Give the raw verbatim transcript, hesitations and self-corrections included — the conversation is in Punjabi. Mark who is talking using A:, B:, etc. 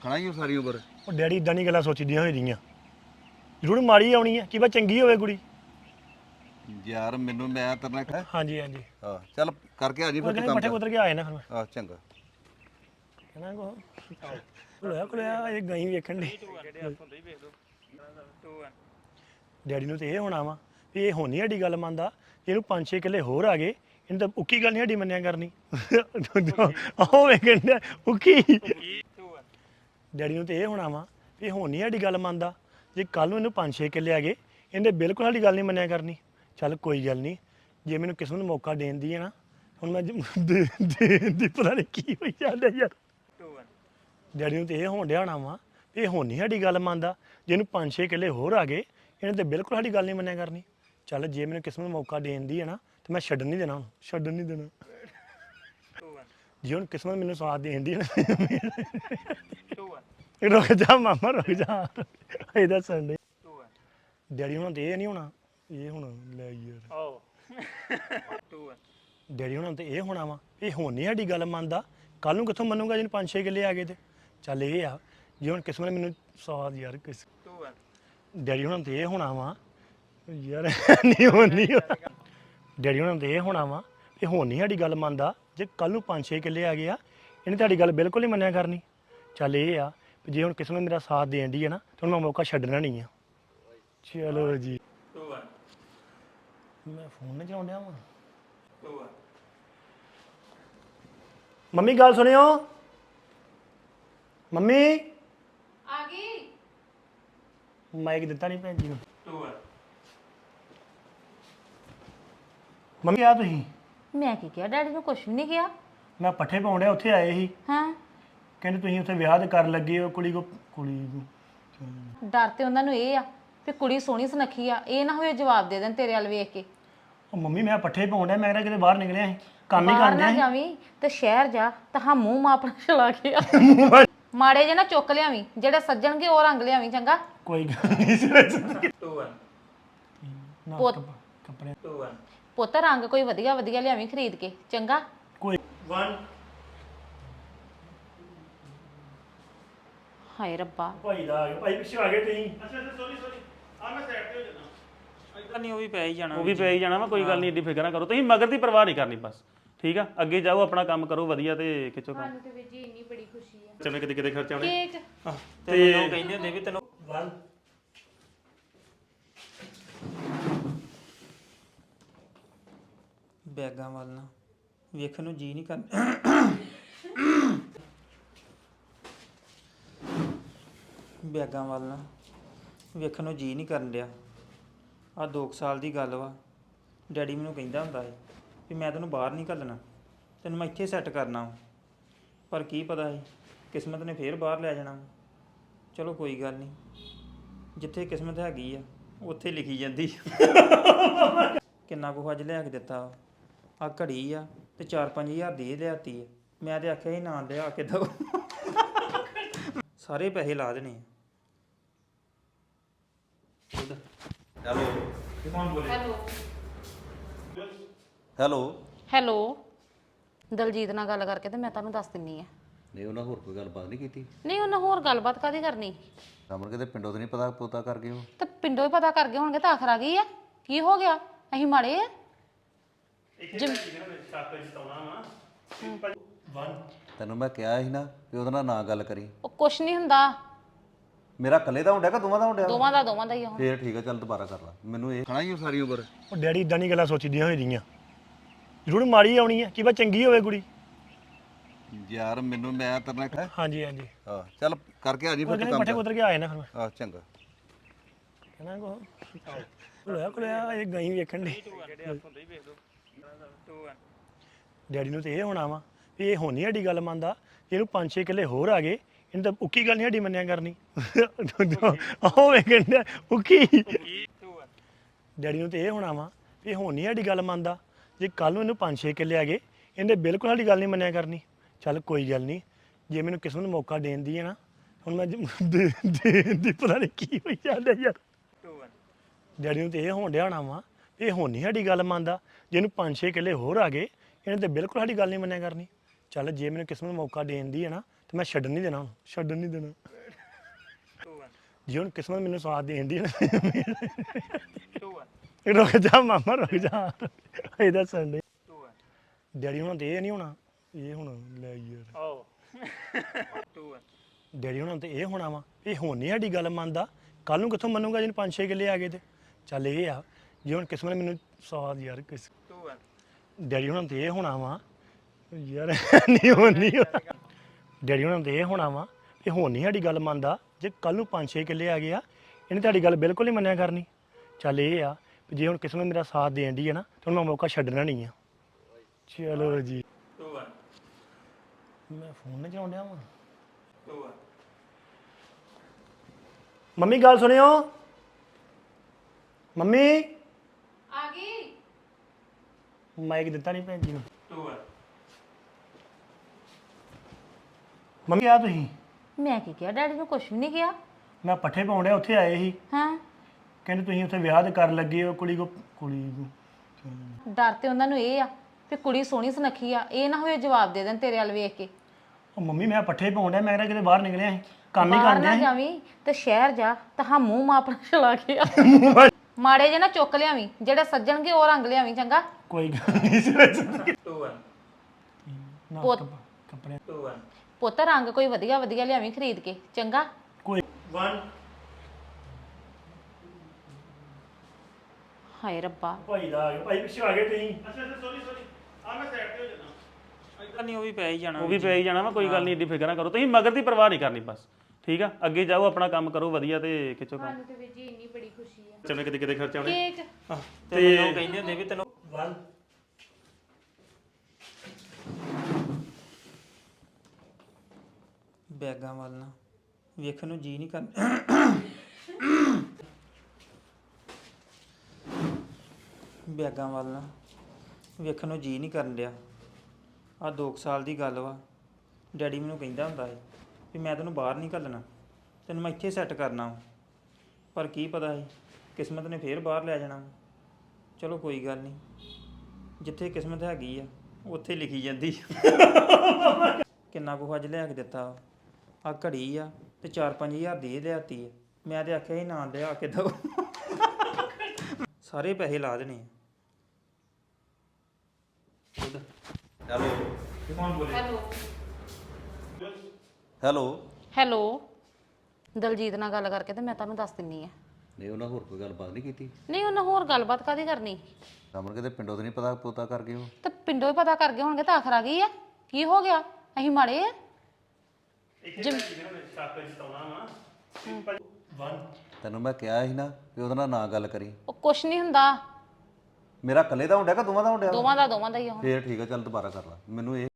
A: ਖਾਣਾ ਹੀ ਸਾਰੀ ਉਮਰ।
B: ਉਹ ਡੈਡੀ ਇਦਾਂ ਨਹੀਂ ਗੱਲਾਂ ਸੋਚੀਦੀਆਂ ਹੋਈ ਦੀਆਂ ਜ਼ਰੂਰ ਮਾੜੀ ਆਉਣੀ ਹੈ ਕਿ ਬਾ ਚੰਗੀ ਹੋਵੇ ਕੁੜੀ।
A: ਯਾਰ ਮੈਨੂੰ ਮੈਂ ਤੇਰੇ ਨਾਲ ਕਹਿ
B: ਹਾਂਜੀ ਹਾਂਜੀ
A: ਹਾਂ ਚੱਲ ਕਰਕੇ ਆ ਜੀ
B: ਉਹ
A: ਫਿਰ
B: ਕਹਿੰਦੇ
A: ਤੂੰ
B: ਪੱਠੇ
A: ਕੰਮ
B: ਕੁਤਰ ਕੇ ਆਏ ਨਾ ਫਿਰ ਮੈਂ
A: ਆ ਚੰਗਾ।
B: ਕਹਿੰਦਾ ਕੋ ਕੋਲਿਆ ਕੋਲਿਆ ਇਹ ਗਈ ਵੇਖਣ ਦੀ ਡੈਡੀ ਨੂੰ ਤੇ ਇਹ ਹੋਣਾ ਵਾ ਵੀ ਇਹ ਹੋਣੀ ਸਾਡੀ ਗੱਲ ਮੰਨਦਾ ਇਹਨੂੰ ਪੰਜ ਛੇ ਕਿੱਲੇ ਹੋਰ ਆ ਗਏ ਇਹਨੂੰ ਤਾਂ ਉੱਕੀ ਗੱਲ ਨਹੀਂ ਸਾਡੀ ਮੰਨਿਆ ਕਰਨੀ ਆਹੋ ਵੇਖਣ ਡਿਆ ਉੱਕੀ ਡੈਡੀ ਨੂੰ ਤੇ ਇਹ ਹੋਣਾ ਵਾ ਵੀ ਇਹ ਹੋਣੀ ਸਾਡੀ ਗੱਲ ਮੰਨਦਾ ਜੇ ਕੱਲ ਨੂੰ ਇਹਨੂੰ ਪੰਜ ਛੇ ਕਿੱਲੇ ਆ ਗਏ ਇਹਨੇ ਬਿਲਕੁਲ ਸਾਡੀ ਗੱਲ ਨਹੀਂ ਮੰਨਿਆ ਕਰਨੀ। ਚੱਲ ਕੋਈ ਗੱਲ ਨਹੀਂ ਜੇ ਮੈਨੂੰ ਕਿਸੇ ਨੂੰ ਮੌਕਾ ਦੇਣ ਦੀ ਹੈ ਨਾ ਹੁਣ ਮੈਂ ਦੇ ਦੀ ਪਤਾ ਨਹੀਂ ਕੀ ਹੋਈ ਜਾਂਦਾ ਯਾਰ। ਡੈਡੀ ਨੂੰ ਤੇ ਇਹ ਹੋਣ ਡਿਆ ਹੋਣਾ ਵਾ ਵੀ ਇਹ ਹੋਣੀ ਸਾਡੀ ਗੱਲ ਮੰਨਦਾ ਜੇ ਇਹਨੂੰ ਪੰਜ ਛੇ ਕਿੱਲੇ ਹੋਰ ਆ ਗਏ ਇਹਨੇ ਤੇ ਬਿਲਕੁਲ ਸਾਡੀ ਗੱਲ ਨਹੀਂ ਮੰਨਿਆ ਕਰਨੀ। ਚੱਲ ਜੇ ਮੈਨੂੰ ਕਿਸੇ ਨੂੰ ਮੌਕਾ ਦੇਣ ਦੀ ਹੈ ਨਾ ਤੇ ਮੈਂ ਛੱਡਣ ਨਹੀਂ ਦੇਣਾ ਹੁਣ ਛੱਡਣ ਨਹੀਂ ਦੇਣਾ। ਜੇ ਹੁਣ ਕਿਸਮਤ ਮੈਨੂੰ ਸਾਥ ਦੇਣ ਦੀ ਹੈ ਨਾ ਰੁਕ ਜਾ ਮਾਮਾ ਰੁਕ ਜਾ ਇਹ ਦੱਸਣ ਦੇ ਡੈਡੀ ਹੁਣ ਤੇ ਇਹ ਨਹੀਂ ਹੋਣਾ ਇਹ ਹੁਣ ਲੈ ਯਾਰ ਡੈਡੀ ਹੁਣ ਤੇ ਇਹ ਹੋਣਾ ਵਾ ਇਹ ਹੋਣੀ ਸਾਡੀ ਗੱਲ ਮੰਨਦਾ ਕੱਲ ਨੂੰ ਕਿੱਥੋਂ ਮੰਨੂਗਾ ਜਿਹਨੂੰ ਪੰਜ ਛੇ ਕਿੱਲੇ ਆ ਗਏ ਤੇ। ਚੱਲ ਇਹ ਆ ਜੇ ਹੁਣ ਕਿਸਮਤ ਨੇ ਮੈਨੂੰ ਸਾਥ ਯਾਰ ਕਿਸ ਡੈਡੀ ਹੁਣ ਤੇ ਇਹ ਹੋਣਾ ਵਾ ਯਾਰ ਨਹੀਂ ਹੋਣੀ ਡੈਡੀ ਹੁਣ ਤੇ ਇਹ ਹੋਣਾ ਵਾ ਇਹ ਹੋਣੀ ਸਾਡੀ ਗੱਲ ਮੰਨਦਾ ਜੇ ਕੱਲ ਨੂੰ ਪੰਜ ਛੇ ਕਿੱਲੇ ਆ ਗਏ ਆ ਇਹਨੇ ਤੁਹਾਡੀ ਗੱਲ ਬਿਲਕੁਲ ਨਹੀਂ ਮੰਨਿਆ ਕਰਨੀ। ਚੱਲ ਇਹ ਆ ਜੇ ਹੁਣ ਕਿਸਮਤ ਮੇਰਾ ਸਾਥ ਦੇਣ ਦੀ ਹੈ ਨਾ ਤਾਂ ਮੈਂ ਮੌਕਾ ਛੱਡਣਾ ਨਹੀਂ ਆ। ਚਲੋ ਜੀ ਮੈਂ ਫੋਨ ਨਹੀਂ ਚਲਾਉਣ ਡਿਆ ਵਾਂ। ਮੰਮੀ ਗੱਲ ਸੁਣਿਓ ਮੰਮੀ
C: ਆ ਗਈ
B: ਮਾਈਕ ਦਿੱਤਾ ਨਹੀਂ ਭੈਣ ਜੀ ਨੂੰ। ਮੰਮੀ ਆ ਤੁਸੀਂ
C: ਮੈਂ ਕੀ ਕਿਹਾ ਡੈਡੀ ਨੂੰ ਕੁਝ ਵੀ ਨਹੀਂ ਕਿਹਾ।
B: ਮੈਂ ਪੱਠੇ ਪਾਉਣ ਡਿਆ ਉੱਥੇ ਆਏ ਸੀ
C: ਹਾਂ
B: ਕਹਿੰਦੇ ਤੁਸੀਂ ਉੱਥੇ ਵਿਆਹ ਤੇ ਕਰਨ ਲੱਗੇ ਹੋ ਕੁੜੀ ਕੋ ਕੁੜੀ ਨੂੰ
C: ਡਰ ਤੇ ਉਹਨਾਂ ਨੂੰ ਇਹ ਆ ਵੀ ਕੁੜੀ ਸੋਹਣੀ ਸੁਨੱਖੀ ਆ ਇਹ ਨਾ ਹੋਵੇ ਜਵਾਬ ਦੇ ਦੇਣ ਤੇਰੇ ਵੱਲ ਵੇਖ ਕੇ।
B: ਉਹ ਮੰਮੀ ਮੈਂ ਪੱਠੇ ਪਾਉਣ ਡਿਆ ਮੈਂ ਕਿਹਾ ਕਿਤੇ ਬਾਹਰ ਨਿਕਲਿਆ ਸੀ ਕੰਮ ਹੀ
C: ਬਾਹਰ
B: ਕਰਨ
C: ਨਾ
B: ਡਿਆ
C: ਜਾਵੀਂ ਤੇ ਸ਼ਹਿਰ ਜਾ ਤਾਂ ਮੂੰਹ ਮਾ ਆਪਣਾ ਛਲਾ ਕੇ ਆ ਮਾੜੇ ਜੇ ਨਾ ਚੁੱਕ ਲਿਆਵੀਂ ਜਿਹੜੇ ਸੱਜਣਗੇ ਉਹ ਰੰਗ ਲਿਆਵੀਂ ਚੰਗਾ।
B: ਕੋਈ ਗੱਲ ਨਹੀਂ
C: ਪੁੱਤ
B: ਕੱਪੜੇ
C: ਪੁੱਤ ਰੰਗ ਕੋਈ ਵਧੀਆ ਵਧੀਆ ਲਿਆਵੀਂ ਖਰੀਦ ਕੇ ਚੰਗਾ।
B: ਕੋਈ ਵਨ
C: ਹਾਏ ਰੱਬਾ
B: ਭਾਈ ਦਾ ਆ ਗਿਆ ਭਾਈ ਪਿੱਛੇ ਆ ਗਏ ਤੁਸੀਂ ਅੱਛਾ ਅੱਛਾ ਸੌਰੀ ਸੌਰੀ ਆ ਮੈਂ ਸਾਈਡ ਤੇ ਹੋ ਜਾਣਾ
D: ਨਹੀਂ ਉਹ ਵੀ ਪੈ ਹੀ ਜਾਣਾ
E: ਉਹ ਵੀ ਪੈ ਹੀ ਜਾਣਾ ਵਾ ਕੋਈ ਗੱਲ ਨਹੀਂ ਏਡੀ ਫਿਕਰ ਨਾ ਕਰੋ ਤੁਸੀਂ ਮਗਰ ਦੀ ਪਰਵਾਹ ਨਹੀਂ ਕਰਨੀ ਬਸ ਠੀਕ ਆ। ਅੱਗੇ ਜਾਓ ਆਪਣਾ ਕੰਮ ਕਰੋ ਵਧੀਆ ਤੇ ਖਿੱਚੋ ਕੰਮ
C: ਤੇ ਵੀਰ ਜੀ ਇੰਨੀ ਬੜੀ ਖੁਸ਼ੀ ਆ
E: ਚਵੇਂ ਕਿਤੇ ਕਿਤੇ ਖਰਚਾ ਹੋਣੇ
C: ਕੇਕ
D: ਤੇ ਮੈਨੂੰ ਕਹਿੰਦੇ ਹੁੰਦੇ ਵੀ ਤੈਨੂੰ
B: ਵਨ
D: ਬੈਗਾਂ ਵੱਲ ਨਾ ਵੇਖਣ ਨੂੰ ਜੀ ਨਹੀਂ ਕਰਦਾ ਬੈਗਾਂ ਵੱਲ ਨਾ ਵੇਖਣ ਨੂੰ ਜੀ ਨਹੀਂ ਕਰਨ ਡਿਆ। ਆਹ ਦੋ ਕੁ ਸਾਲ ਦੀ ਗੱਲ ਵਾ ਡੈਡੀ ਮੈਨੂੰ ਕਹਿੰਦਾ ਹੁੰਦਾ ਸੀ ਵੀ ਮੈਂ ਤੈਨੂੰ ਬਾਹਰ ਨਹੀਂ ਘੱਲਣਾ ਤੈਨੂੰ ਮੈਂ ਇੱਥੇ ਸੈੱਟ ਕਰਨਾ ਵਾ। ਪਰ ਕੀ ਪਤਾ ਸੀ ਕਿਸਮਤ ਨੇ ਫੇਰ ਬਾਹਰ ਲੈ ਜਾਣਾ। ਚਲੋ ਕੋਈ ਗੱਲ ਨਹੀਂ ਜਿੱਥੇ ਕਿਸਮਤ ਹੈਗੀ ਆ ਉੱਥੇ ਲਿਖੀ ਜਾਂਦੀ ਕਿੰਨਾ ਕੁ ਅੱਜ ਲਿਆ ਕੇ ਦਿੱਤਾ ਆ ਘੜੀ ਆ ਤੇ ਚਾਰ ਪੰਜ ਹਜ਼ਾਰ ਦੀ ਇਹ ਲਿਆਤੀ ਆ। ਮੈਂ ਤੇ ਆਖਿਆ ਸੀ ਨਾ ਲਿਆ ਕੇ ਦੋ ਸਾਰੇ ਪੈਸੇ ਲਾ ਦੇਣੇ ਆ।
A: Hello
C: hello
A: hello
C: hello Daljit ਨਾਲ ਗੱਲ ਕਰਕੇ ਤੇ ਮੈਂ ਤੁਹਾਨੂੰ ਦੱਸ ਦਿੰਨੀ ਆ।
A: ਨਹੀਂ ਉਹਨਾਂ ਹੋਰ ਕੋਈ ਗੱਲਬਾਤ ਨਹੀਂ ਕੀਤੀ?
C: ਨਹੀਂ ਉਹਨਾਂ ਹੋਰ ਗੱਲਬਾਤ ਕਾਦੀ ਕਰਨੀ
A: ਰਮਨ ਕਿਤੇ ਪਿੰਡੋਂ ਤੇ ਨਹੀਂ ਪਤਾ ਪੋਤਾ ਕਰ ਗਏ ਹੋ?
C: ਤੇ ਪਿੰਡੋਂ ਹੀ ਪਤਾ ਕਰ ਗਏ ਹੋਣਗੇ ਤਾਂ ਆਖਰ ਆ ਗਈ ਆ ਕੀ ਹੋ ਗਿਆ ਅਸੀਂ ਮਾੜੇ ਆ ਜਿਮ-
A: ਤੈਨੂੰ ਮੈਂ ਕਿਹਾ ਸੀ ਨਾ ਵੀ ਉਹਦੇ ਨਾਲ ਨਾ ਗੱਲ ਕਰੀ।
C: ਉਹ ਕੁਛ ਨਹੀਂ ਹੁੰਦਾ
A: ਮੇਰਾ ਇਕੱਲੇ ਦਾ ਹੁੰਦਾ ਕਿ ਦੋਵਾਂ ਦਾ ਹੁੰਦਾ?
C: ਦੋਵਾਂ ਦਾ ਦੋਵਾਂ ਦਾ ਹੀ ਆ ਹੁਣ।
A: ਫੇਰ ਠੀਕ ਆ ਚੱਲ ਦੁਬਾਰਾ ਕਰ ਲਾ ਮੈਨੂੰ ਇਹ ਖਾਣਾ ਹੀ ਸਾਰੀ ਉਮਰ।
B: ਉਹ ਡੈਡੀ ਇਦਾਂ ਨਹੀਂ ਗੱਲਾਂ ਸੋਚੀਦੀਆਂ ਹੋਈ ਦੀਆਂ ਜ਼ਰੂਰ ਮਾੜੀ ਆਉਣੀ ਹੈ ਕਿ ਬਾ ਚੰਗੀ ਹੋਵੇ ਕੁੜੀ।
A: ਯਾਰ ਮੈਨੂੰ ਮੈਂ ਤੇਰੇ ਨਾਲ ਕਹਿ
B: ਹਾਂਜੀ ਹਾਂਜੀ
A: ਹਾਂ ਚੱਲ ਕਰਕੇ ਆ ਜੀ
B: ਉਹ
A: ਫਿਰ ਤੂੰ
B: ਕਹਿੰਦੇ
A: ਕੰਮ
B: ਪੱਠੇ ਕੁਤਰ ਕੇ ਆਏ ਨਾ ਫਿਰ ਮੈਂ
A: ਆ ਚੰਗਾ।
B: ਕਹਿੰਦਾ ਕੋ ਕੋਲਿਆ ਕੋਲਿਆ ਇਹ ਗਈ ਵੇਖਣ ਦੀ ਡੈਡੀ ਨੂੰ ਤੇ ਇਹ ਹੋਣਾ ਵਾ ਵੀ ਇਹ ਹੋਣੀ ਸਾਡੀ ਗੱਲ ਮੰਨਦਾ ਇਹਨੂੰ ਪੰਜ ਛੇ ਕਿੱਲੇ ਹੋਰ ਆ ਗਏ ਇਹਨੂੰ ਤਾਂ ਉੱਕੀ ਗੱਲ ਨਹੀਂ ਸਾਡੀ ਮੰਨਿਆ ਕਰਨੀ। ਆਹੋ ਵੇਖਣ ਡਿਆ ਉੱਕੀ ਡੈਡੀ ਨੂੰ ਤੇ ਇਹ ਹੋਣਾ ਵਾ ਵੀ ਇਹ ਹੋਣੀ ਸਾਡੀ ਗੱਲ ਮੰਨਦਾ ਜੇ ਕੱਲ ਨੂੰ ਇਹਨੂੰ ਪੰਜ ਛੇ ਕਿੱਲੇ ਆ ਗਏ ਇਹਨੇ ਬਿਲਕੁਲ ਸਾਡੀ ਗੱਲ ਨਹੀਂ ਮੰਨਿਆ ਕਰਨੀ। ਚੱਲ ਕੋਈ ਗੱਲ ਨਹੀਂ ਜੇ ਮੈਨੂੰ ਕਿਸੇ ਨੂੰ ਮੌਕਾ ਦੇਣ ਦੀ ਹੈ ਨਾ ਹੁਣ ਮੈਂ ਦੇ ਦੀ ਪਤਾ ਨਹੀਂ ਕੀ ਹੋਈ ਜਾਂਦਾ ਯਾਰ। ਡੈਡੀ ਨੂੰ ਤੇ ਇਹ ਹੋਣ ਡਿਆ ਹੋਣਾ ਵਾ ਇਹ ਹੋਣੀ ਸਾਡੀ ਗੱਲ ਮੰਨਦਾ ਜੇ ਇਹਨੂੰ ਪੰਜ ਛੇ ਕਿੱਲੇ ਹੋਰ ਆ ਗਏ ਇਹਨੇ ਤੇ ਬਿਲਕੁਲ ਸਾਡੀ ਗੱਲ ਨਹੀਂ ਮੰਨਿਆ ਕਰਨੀ। ਚੱਲ ਜੇ ਮੈਨੂੰ ਕਿਸੇ ਨੂੰ ਮੌਕਾ ਦੇਣ ਦੀ ਹੈ ਨਾ ਤੇ ਮੈਂ ਛੱਡਣ ਨਹੀਂ ਦੇਣਾ ਹੁਣ ਛੱਡਣ ਨਹੀਂ ਦੇਣਾ ਜੇ ਹੁਣ ਕਿਸਮਤ ਮੈਨੂੰ ਸਾਥ ਦੇਂਦੀ ਹੈ ਨਾ ਰੁਕ ਜਾ ਮਾਮਾ ਰੁਕ ਜਾ ਇਹਦਾ ਸੰਡੇ ਡੈਡੀ ਹੁਣਾਂ ਤੇ ਇਹ ਨਹੀਂ ਹੋਣਾ ਇਹ ਹੁਣ ਲੈ ਯਾਰ ਆਓ ਡੈਡੀ ਹੁਣਾਂ ਤੇ ਇਹ ਹੋਣਾ ਵਾ ਇਹ ਹੁਣ ਨਹੀਂ ਸਾਡੀ ਗੱਲ ਮੰਨਦਾ ਕੱਲ ਨੂੰ ਕਿੱਥੋਂ ਮੰਨੂਗਾ ਜਿਹਨੂੰ ਪੰਜ ਛੇ ਕਿੱਲੇ ਆ ਗਏ ਤੇ ਚੱਲ ਇਹ ਆ ਜੇ ਹੁਣ ਕਿਸਮਤ ਮੈਨੂੰ ਸਾਥ ਯਾਰ ਕਿਸ ਡੈਡੀ ਹੁਣਾਂ ਤੇ ਇਹ ਹੋਣਾ ਵਾ ਯਾਰ ਨਹੀਂ ਹੋਣੀ ਡੈਡੀ ਹੁਣਾਂ ਤੇ ਇਹ ਹੋਣਾ ਵਾ ਇਹ ਹੁਣ ਨਹੀਂ ਸਾਡੀ ਗੱਲ ਮੰਨਦਾ ਜੇ ਕੱਲ ਨੂੰ ਪੰਜ ਛੇ ਕਿੱਲੇ ਆ ਗਏ ਆ ਇਹਨੇ ਤੁਹਾਡੀ ਗੱਲ ਬਿਲਕੁਲ ਨਹੀਂ ਮੰਨਿਆ ਕਰਨੀ ਚੱਲ ਇਹ ਆ ਵੀ ਜੇ ਹੁਣ ਕਿਸਮਤ ਮੇਰਾ ਸਾਥ ਦੇਣ ਦੀ ਹੈ ਨਾ ਤਾਂ ਮੈਂ ਮੌਕਾ ਛੱਡਣਾ ਨਹੀਂ ਆ ਚਲੋ ਜੀ ਮੈਂ ਫੋਨ ਨਹੀਂ ਚਲਾਉਣ ਡਿਆ ਵਾਂ ਮੰਮੀ ਗੱਲ ਸੁਣਿਓ ਮੰਮੀ
C: ਆ ਗਈ
B: ਮਾਈਕ ਦਿੱਤਾ ਨਹੀਂ ਭੈਣ ਜੀ ਨੂੰ ਮੰਮੀ ਆ ਤੁਸੀਂ
C: ਮੈਂ ਕੀ ਕਿਹਾ ਡੈਡੀ ਨੂੰ ਕੁਝ ਵੀ ਨਹੀਂ ਕਿਹਾ
B: ਮੈਂ ਪੱਠੇ ਪਾਉਣ ਡਿਆ ਉੱਥੇ ਆਏ ਸੀ
C: ਹਾਂ
B: ਕਹਿੰਦੇ ਤੁਸੀਂ ਉੱਥੇ ਵਿਆਹ ਤੇ ਕਰਨ ਲੱਗੇ ਹੋ ਕੁੜੀ ਕੋ ਕੁੜੀ ਕੋ
C: ਡਰ ਤੇ ਉਹਨਾਂ ਨੂੰ ਇਹ ਆ ਵੀ ਕੁੜੀ ਸੋਹਣੀ ਸੁਨੱਖੀ ਆ ਇਹ ਨਾ ਹੋਏ ਜਵਾਬ ਦੇ ਦੇਣ ਤੇਰੇ ਵੱਲ ਵੇਖ ਕੇ
B: ਉਹ ਮੰਮੀ ਮੈਂ ਪੱਠੇ ਪਾਉਣ ਡਿਆ ਮੈਂ ਕਿਹਾ ਕਿਤੇ ਬਾਹਰ ਨਿਕਲਿਆ ਸੀ ਕੰਮ ਹੀ
C: ਬਾਹਰ
B: ਕਰਨ
C: ਨਾ
B: ਡਿਆ
C: ਜਾਵੀਂ ਤੇ ਸ਼ਹਿਰ ਜਾ ਤਾਂ ਹਾਂ ਮੂੰਹ ਮਾ ਆਪਣਾ ਛਲਾ ਕੇ ਆ ਮਾੜੇ ਜੇ ਨਾ ਚੁੱਕ ਲਿਆਵੀਂ ਜਿਹੜੇ ਸੱਜਣਗੇ ਉਹ ਰੰਗ ਲਿਆਵੀਂ ਚੰਗਾ
B: ਕੋਈ ਗੱਲ ਨਹੀਂ ਸਿਰ ਨਾ
C: ਪੁੱਤ-
B: ਕੱਪੜੇ
C: ਪੁੱਤ ਰੰਗ ਕੋਈ ਵਧੀਆ ਵਧੀਆ ਲਿਆਵੀਂ ਖਰੀਦ ਕੇ ਚੰਗਾ
B: ਕੋਈ ਵਨ
C: ਹਾਏ ਰੱਬਾ
B: ਭਾਈ ਦਾ ਆ ਗਿਆ ਭਾਈ ਪਿੱਛੇ ਆ ਗਏ ਤੁਸੀਂ ਅੱਛਾ ਅੱਛਾ ਸੌਰੀ ਸੌਰੀ ਆ ਮੈਂ ਸਾਈਡ ਤੇ ਹੋ ਜਾਣਾ
D: ਇਦਾਂ ਨਹੀਂ ਉਹ ਵੀ ਪੈ ਹੀ ਜਾਣਾ
E: ਉਹ ਵੀ ਪੈ ਹੀ ਜਾਣਾ ਵਾ ਕੋਈ ਗੱਲ ਨਹੀਂ ਏਡੀ ਫਿਕਰ ਨਾ ਕਰੋ ਤੁਸੀਂ ਮਗਰ ਦੀ ਪਰਵਾਹ ਨਹੀਂ ਕਰਨੀ ਬਸ ਠੀਕ ਆ ਅੱਗੇ ਜਾਓ ਆਪਣਾ ਕੰਮ ਕਰੋ ਵਧੀਆ ਤੇ ਖਿੱਚੋ ਕੰਮ
C: ਤੇ ਵੀਰ ਜੀ ਇੰਨੀ ਬੜੀ ਖੁਸ਼ੀ ਆ
E: ਚਲੋ ਕਿਤੇ ਕਿਤੇ ਖਰਚਾ ਹੋਣੇ
C: ਕੇਕ
D: ਤੇ ਮੈਨੂੰ ਕਹਿੰਦੇ ਹੁੰਦੇ ਵੀ ਤੈਨੂੰ
B: ਵਨ
D: ਬੈਗਾਂ ਵੱਲ ਨਾ ਵੇਖਣ ਨੂੰ ਜੀ ਨਹੀਂ ਕਰਦਾ ਬੈਗਾਂ ਵੱਲ ਨਾ ਵੇਖਣ ਨੂੰ ਜੀ ਨਹੀਂ ਕਰਨ ਡਿਆ ਆ ਦੋ ਸਾਲ ਦੀ ਗੱਲ ਵਾ ਡੈਡੀ ਮੈਨੂੰ ਕਹਿੰਦਾ ਹੁੰਦਾ ਸੀ ਵੀ ਮੈਂ ਤੈਨੂੰ ਬਾਹਰ ਨਹੀਂ ਘੱਲਣਾ ਤੈਨੂੰ ਮੈਂ ਇੱਥੇ ਸੈੱਟ ਕਰਨਾ ਵਾ। ਪਰ ਕੀ ਪਤਾ ਸੀ ਕਿਸਮਤ ਨੇ ਫੇਰ ਬਾਹਰ ਲੈ ਜਾਣਾ ਵਾ। ਚਲੋ ਕੋਈ ਗੱਲ ਨਹੀਂ ਜਿੱਥੇ ਕਿਸਮਤ ਹੈਗੀ ਆ ਉੱਥੇ ਲਿਖੀ ਜਾਂਦੀ ਆ। ਕਿੰਨਾ ਕੁ ਅੱਜ ਲਿਆ ਕੇ ਦਿੱਤਾ ਆ ਘੜੀ ਆ ਤੇ ਚਾਰ ਪੰਜ ਹਜ਼ਾਰ ਦੀ ਇਹ ਲਿਆਤੀ ਆ ਮੈਂ ਤੇ ਆਖਿਆ ਸੀ ਨਾ ਲਿਆ ਕੇ ਦੋ ਸਾਰੇ ਪੈਸੇ ਲਾ ਦੇਣੇ ਆ।
A: ਹੈਲੋ ਹੈਲੋ
C: ਹੈਲੋ ਦਲਜੀਤ ਨਾਲ ਗੱਲ ਕਰਕੇ ਤੇ ਮੈਂ ਤੁਹਾਨੂੰ ਦੱਸ ਦਿੰਨੀ ਆ
A: ਨਹੀਂ ਉਹਨਾਂ ਹੋਰ ਕੋਈ ਗੱਲਬਾਤ ਨਹੀਂ ਕੀਤੀ
C: ਨਹੀਂ ਉਹਨਾਂ ਹੋਰ ਗੱਲਬਾਤ ਕਾਦੀ ਕਰਨੀ
A: ਰਮਨ ਕਿਤੇ ਪਿੰਡੋਂ ਤੇ ਨਹੀਂ ਪਤਾ ਪੋਤਾ ਕਰ ਗਏ ਉਹ
C: ਤੇ ਪਿੰਡੋਂ ਹੀ ਪਤਾ ਕਰ ਗਏ ਹੋਣਗੇ ਤਾਂ ਆਖਰ ਆ ਗਈ ਆ ਕੀ ਹੋ ਗਿਆ ਅਸੀਂ ਮਾੜੇ ਆ
A: ਤੈਨੂੰ ਮੈਂ ਕਿਹਾ ਸੀ ਨਾ ਵੀ ਉਹਦੇ ਨਾਲ ਨਾ ਗੱਲ ਕਰੀ
C: ਉਹ ਕੁਛ ਨਹੀਂ ਹੁੰਦਾ
A: ਮੇਰਾ ਇਕੱਲੇ ਦਾ ਹੁੰਦਾ ਕਿ ਦੋਵਾਂ ਦਾ ਹੁੰਦਾ
C: ਦੋਵਾਂ ਦਾ ਦੋਵਾਂ ਦਾ ਹੀ ਆ ਹੁਣ।
A: ਫੇਰ ਠੀਕ ਆ ਚੱਲ ਦੁਬਾਰਾ ਕਰ ਲਾ ਮੈਨੂੰ ਇਹ